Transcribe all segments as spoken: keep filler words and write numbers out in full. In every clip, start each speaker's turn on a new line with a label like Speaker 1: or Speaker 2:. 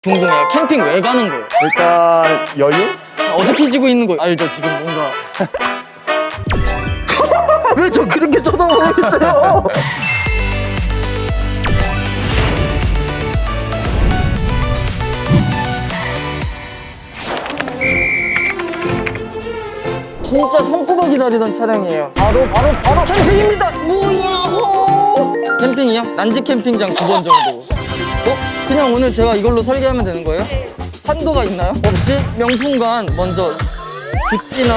Speaker 1: 궁금해요. 캠핑 왜 가는 거예요?
Speaker 2: 일단 여유?
Speaker 1: 어색해지고 있는 거 알죠? 지금 뭔가
Speaker 3: 왜 저 그렇게 쳐다보고 있어요?
Speaker 1: 진짜 손꼽아 기다리던 차량이에요. 바로 바로 바로 캠핑입니다. 뭐야? 캠핑이요? 난지 캠핑장 두 번 정도. 어? 그냥 오늘 제가 이걸로 설계하면 되는 거예요? 한도가 있나요? 없이 명품관 먼저 빅지나.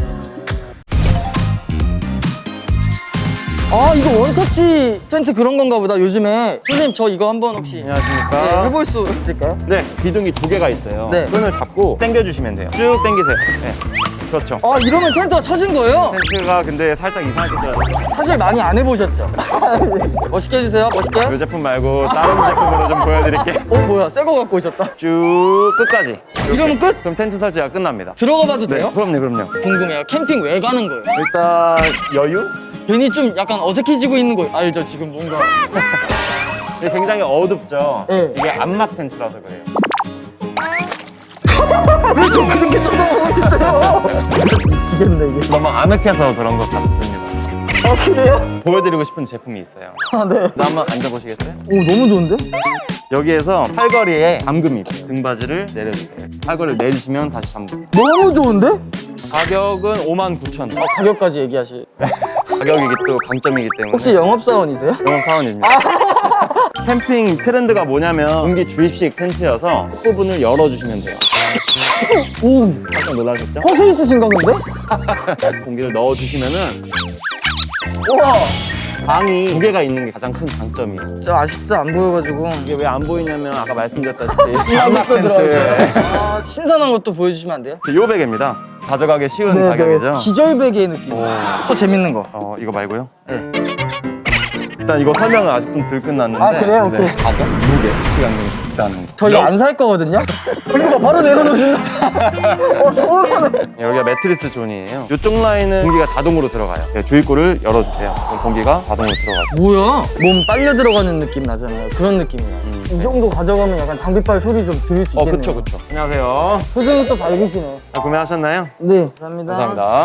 Speaker 1: 아 이거 원터치 텐트 그런 건가 보다. 요즘에 선생님 저 이거 한번 혹시 네,
Speaker 2: 안녕하십니까.
Speaker 1: 해볼 수 있을까요?
Speaker 2: 네, 기둥이 두 개가 있어요.
Speaker 1: 네.
Speaker 2: 끈을 잡고 당겨주시면 돼요. 쭉 당기세요. 네, 그렇죠.
Speaker 1: 아 이러면 텐트가 쳐진 거예요?
Speaker 2: 텐트가 근데 살짝 이상하게 쪄요.
Speaker 1: 사실 많이 안 해보셨죠? 멋있게 해주세요. 멋있게.
Speaker 2: 이 제품 말고 다른 제품으로 좀 보여드릴게요.
Speaker 1: 어 뭐야 새 거 갖고 오셨다.
Speaker 2: 쭉 끝까지.
Speaker 1: 이러면 끝?
Speaker 2: 그럼 텐트 설치가 끝납니다.
Speaker 1: 들어가 봐도
Speaker 2: 네,
Speaker 1: 돼요?
Speaker 2: 그럼요, 그럼요.
Speaker 1: 궁금해요. 캠핑 왜 가는 거예요?
Speaker 2: 일단 여유?
Speaker 1: 괜히 좀 약간 어색해지고 있는 거 알죠? 지금 뭔가
Speaker 2: 이게 굉장히 어둡죠?
Speaker 1: 네.
Speaker 2: 이게 암막 텐트라서 그래요.
Speaker 3: 왜 저 그렇게 쳐다보고 있어요? 진짜 미치겠네 이게.
Speaker 2: 너무 아늑해서 그런 것 같습니다.
Speaker 3: 아 그래요?
Speaker 2: 보여드리고 싶은 제품이 있어요.
Speaker 3: 아 네.
Speaker 2: 나 한번 앉아보시겠어요?
Speaker 3: 오 너무 좋은데?
Speaker 2: 여기에서 팔걸이에 잠금이 있어요. 등받이를 내려주세요. 팔걸이를 내리시면 다시 잠금.
Speaker 3: 너무 좋은데?
Speaker 2: 가격은 오만 구천 원.
Speaker 1: 어, 가격까지 얘기하시.
Speaker 2: 가격이 또 강점이기 때문에.
Speaker 1: 혹시 영업사원이세요?
Speaker 2: 영업 사원입니다. 캠핑 트렌드가 뭐냐면 공기 주입식 텐트여서 부분을 열어주시면 돼요.
Speaker 1: 오
Speaker 2: 깜짝 놀라셨죠?
Speaker 1: 허세 있으신가 본데?
Speaker 2: 공기를 넣어주시면은
Speaker 1: 우와
Speaker 2: 방이 두 개가 있는 게 가장 큰 장점이에요.
Speaker 1: 진짜 아쉽다 안 보여가지고.
Speaker 2: 이게 왜 안 보이냐면 아까 말씀드렸다시피
Speaker 1: 암막도
Speaker 2: 텐트.
Speaker 1: 들어있어요. 아, 신선한 것도 보여주시면 안 돼요?
Speaker 2: 요 베개입니다. 가져가기 쉬운
Speaker 1: 네,
Speaker 2: 가격이죠.
Speaker 1: 기절베개 느낌.
Speaker 2: 오.
Speaker 1: 또 재밌는 거.
Speaker 2: 어 이거 말고요?
Speaker 1: 네.
Speaker 2: 일단 이거 설명은 아직 좀 덜 끝났는데.
Speaker 1: 아, 그래요? 오케이.
Speaker 2: 가격, 무게, 시간이 있다는 거.
Speaker 1: 저 이거 안 살 거거든요? 이거 봐, 바로 내려놓으신다. 어, 서운하네.
Speaker 2: 여기가 매트리스 존이에요. 이쪽 라인은 공기가 자동으로 들어가요. 네, 주입구를 열어주세요. 그럼 공기가 자동으로 들어가죠.
Speaker 1: 뭐야? 몸 빨려 들어가는 느낌 나잖아요. 그런 느낌이야.
Speaker 2: 음,
Speaker 1: 이 정도 가져가면 약간 장비빨 소리 좀 들을 수
Speaker 2: 어,
Speaker 1: 있겠네요.
Speaker 2: 그쵸, 그쵸. 안녕하세요.
Speaker 1: 표정이 또 밝으시네.
Speaker 2: 아, 구매하셨나요?
Speaker 1: 네, 감사합니다.
Speaker 2: 감사합니다.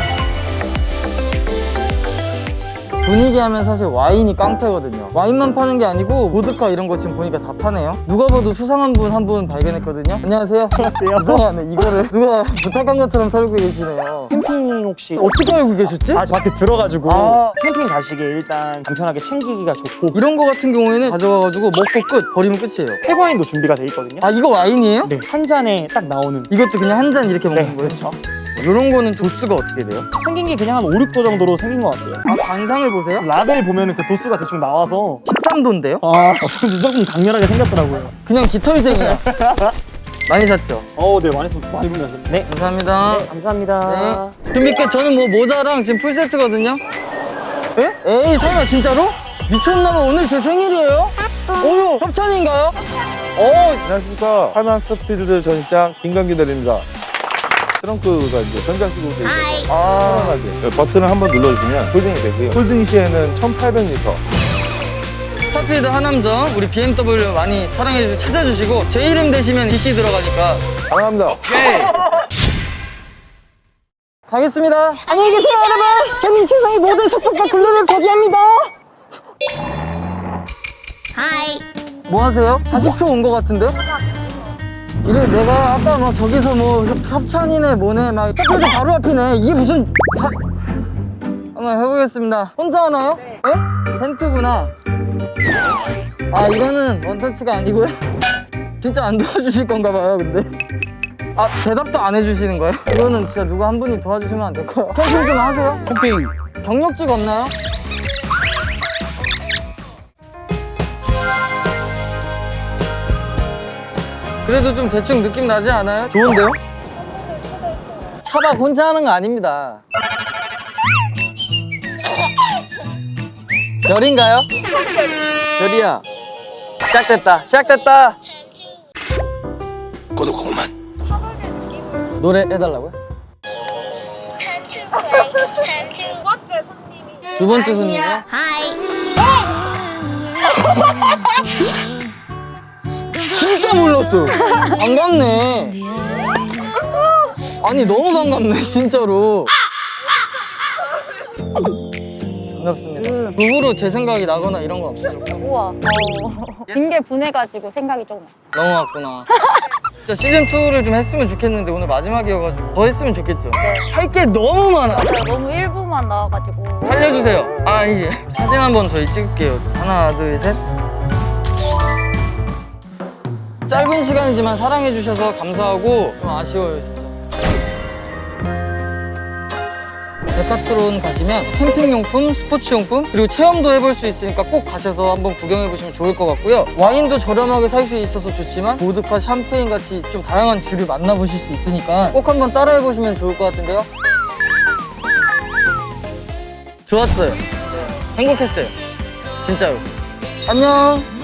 Speaker 1: 분위기 하면 사실 와인이 깡패거든요. 와인만 파는 게 아니고 보드카 이런 거 지금 보니까 다 파네요. 누가 봐도 수상한 분 한 분 발견했거든요. 안녕하세요. 안녕하세요. 이상하네. 이거를 누가 부탁한 것처럼 살고 계시네요.
Speaker 4: 캠핑 혹시
Speaker 1: 어떻게 알고 계셨지?
Speaker 4: 아, 밖에 들어가지고
Speaker 1: 아.
Speaker 4: 캠핑 가시기에 일단 간편하게 챙기기가 좋고
Speaker 1: 이런 거 같은 경우에는 가져가가지고 먹고 끝! 버리면 끝이에요.
Speaker 4: 폐과인도 준비가 돼 있거든요.
Speaker 1: 아 이거 와인이에요?
Speaker 4: 네, 한 잔에 딱 나오는
Speaker 1: 이것도 그냥 한 잔 이렇게 먹는
Speaker 4: 네,
Speaker 1: 거예요?
Speaker 4: 그렇죠.
Speaker 1: 이런 거는 도수가 어떻게 돼요?
Speaker 4: 생긴 게 그냥 한 오, 육 도 정도로 생긴 것 같아요.
Speaker 1: 아 관상을 보세요?
Speaker 4: 라벨 보면은 그 도수가 대충 나와서
Speaker 1: 십삼 도인데요?
Speaker 4: 아, 어쩐지 조금 강렬하게 생겼더라고요.
Speaker 1: 그냥 깃털쟁이야. 많이 샀죠?
Speaker 4: 어, 네, 많이 쓰 많이 분하셨네. 네.
Speaker 1: 감사합니다.
Speaker 4: 네, 감사합니다.
Speaker 1: 네. 준비 끝. 저는 뭐 모자랑 지금 풀세트거든요. 에? 에이 설마 진짜로? 미쳤나봐. 오늘 제 생일이에요? 오유 협찬인가요? 어
Speaker 5: 안녕하십니까. 팔만 스피드 전시장 김광기 대리입니다. 트렁크가 이제 전장식으로 되어 있어서
Speaker 1: 아,
Speaker 5: 편안하게 버튼을 한번 눌러주시면 홀딩이 되고요. 홀딩 시에는 천팔백 리터.
Speaker 1: 스타필드 하남점 우리 비엠더블유 많이 사랑해주시고 찾아주시고 제 이름 대시면 디씨 들어가니까
Speaker 5: 사랑합니다.
Speaker 1: 가겠습니다. 안녕히 계세요 여러분. 전 이 세상의 모든 속박과 굴레를 포기합니다.
Speaker 6: 하이.
Speaker 1: 뭐 하세요? 사십 초 온 거 같은데? 이래 내가 아까 막 저기서 뭐 협- 협찬이네 뭐네 막 스타필드 바로 앞이네. 이게 무슨 사... 한번 해보겠습니다. 혼자 하나요? 네. 텐트구나. 아 이거는 원터치가 아니고요? 진짜 안 도와주실 건가 봐요 근데. 아 대답도 안 해주시는 거예요? 이거는 진짜 누구 한 분이 도와주시면 안 될까요? 캠핑 좀 하세요?
Speaker 5: 캠핑.
Speaker 1: 경력직 없나요? 그래도 좀 대충 느낌 나지 않아요? 좋은데요? 차박 혼자 하는 거 아닙니다. 별인가요? 별이야. 시작됐다. 시작됐다.
Speaker 5: 고독 고만.
Speaker 1: 노래 해달라고요? 두 번째 손님이요?
Speaker 6: 하이.
Speaker 1: 진짜 몰랐어. 반갑네. 아니 너무 반갑네 진짜로. 반갑습니다. 부부로 제 생각이 나거나 이런 건 없어요.
Speaker 6: 우와. 어. 징계 분해가지고 생각이 조금 났어.
Speaker 1: 넘어갔구나. 진짜 시즌이를 좀 했으면 좋겠는데 오늘 마지막이어가지고 더 했으면 좋겠죠. 할 게 너무 많아.
Speaker 6: 맞아요. 너무 일부만 나와가지고.
Speaker 1: 살려주세요. 아 아니지. 사진 한번 저희 찍을게요. 하나 둘 셋. 짧은 시간이지만 사랑해주셔서 감사하고 좀 아쉬워요 진짜. 데카트론 가시면 캠핑용품, 스포츠용품 그리고 체험도 해볼 수 있으니까 꼭 가셔서 한번 구경해보시면 좋을 것 같고요. 와인도 저렴하게 살 수 있어서 좋지만 보드카, 샴페인 같이 좀 다양한 주류 만나보실 수 있으니까 꼭 한번 따라해보시면 좋을 것 같은데요. 좋았어요. 행복했어요. 진짜로. 안녕.